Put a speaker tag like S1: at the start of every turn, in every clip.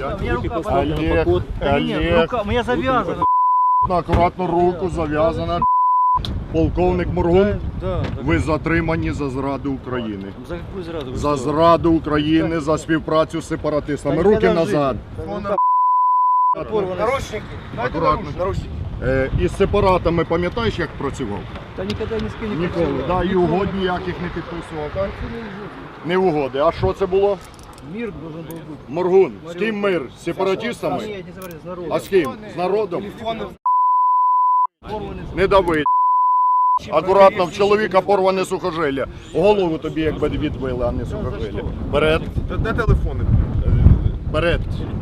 S1: У меня рука
S2: Олег,
S1: Да нет,
S2: Олег,
S1: рука, у меня завязана.
S2: акуратно руку зав'язана. Полковник Моргун,
S1: Да.
S2: ви затримані за зраду України.
S1: За какую зраду?
S2: За зраду України, за співпрацю з сепаратистами. Руки назад.
S3: Наручники.
S2: Акуратно.
S3: Наручники.
S2: Із сепаратами пам'ятаєш, як працював?
S1: Да никогда ни с кем не
S2: Ніколи.
S1: працював.
S2: Да, і угод ніяких не підписував, так? Не угоди. А що це було?
S1: Мир должен был быть.
S2: Моргун. З ким мир? З сепаратистами?
S1: Нет, не говори, с народом.
S2: А з ким? З народом? Не дави. Акуратно, в чоловіка порване сухожилля. Голову тобі якби відбили, а не сухожилля. Вперед.
S3: Де телефони?
S2: Вперед.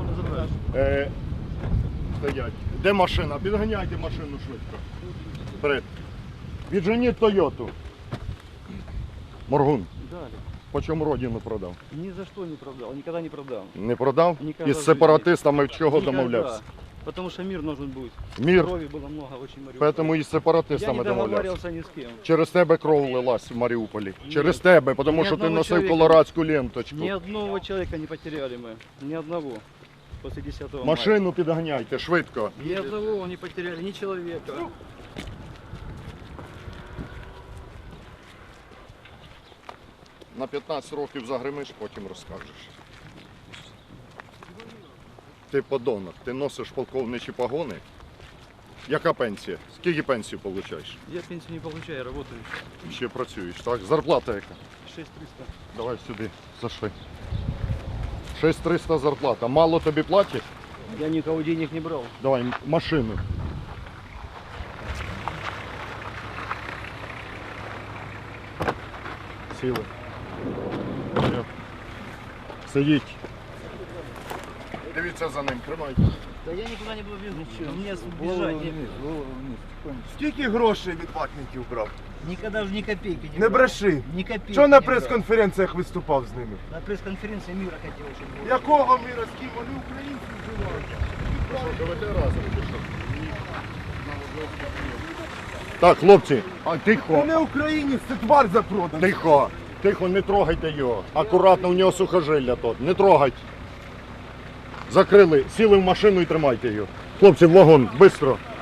S2: Стоять. Де машина? Підганяйте машину швидко. Вперед. Відженіть Тойоту. Моргун.
S1: Дали.
S2: По чому родину продав?
S1: Ни за что не продал, никогда не продам.
S2: Не продав?
S1: Ніколи
S2: Із
S1: в
S2: сепаратистами в чого
S1: Никогда.
S2: домовлявся?
S1: Потому что мир нужен будет.
S2: Мир.
S1: Крови было много, очень Мариуполь.
S2: Тому із
S1: Я
S2: сепаратистами
S1: не
S2: домовлявся.
S1: договаривался ни с кем.
S2: Через тебе кров лилась в Маріуполі. Через тебе, тому
S1: Ні
S2: що ти
S1: одного
S2: носив
S1: чоловіка.
S2: колорадську ленточку.
S1: Ни одного человека не потеряли мы. Ни одного. После 10 мая.
S2: Машину підганяйте, швидко.
S1: Ни одного не потеряли, ни человека.
S2: На 15 років загримиш, потім розкажеш. Ти подонок, ти носиш полковничі погони. Яка пенсія? Скільки пенсію получаєш?
S1: Я пенсию не получаю, работаю.
S2: Ще працюєш, так? Зарплата яка?
S1: 6300.
S2: Давай сюди, зашли. 6300 зарплата. Мало тобі платять?
S1: Я никого денег не брал.
S2: Давай, машину. Сіли. Все. Сидіть. Дивіться за ним, тримайте.
S1: Да я никуда не был без ничего. Мне бежать некуда.
S3: Скільки грошей від ватників брав?
S1: Никогда же ни копейки не
S3: Не
S1: брал.
S3: бреши.
S1: Ни копейки
S3: Чого на
S1: не брал.
S3: прес-конференціях виступав з ними?
S1: На пресс-конференции мира хотел, чтобы было.
S3: Якого міра, з ким вони українці вживають?
S2: Живете разом чи що? Так, хлопці,
S3: Це
S2: тихо,
S3: не українець, це твар запроданий.
S2: тихо, тихо, не трогайте його. Акуратно, у нього сухожилля тут, не трогайте. Закрили, сіли в машину і тримайте його. Хлопці, в вагон, швидко.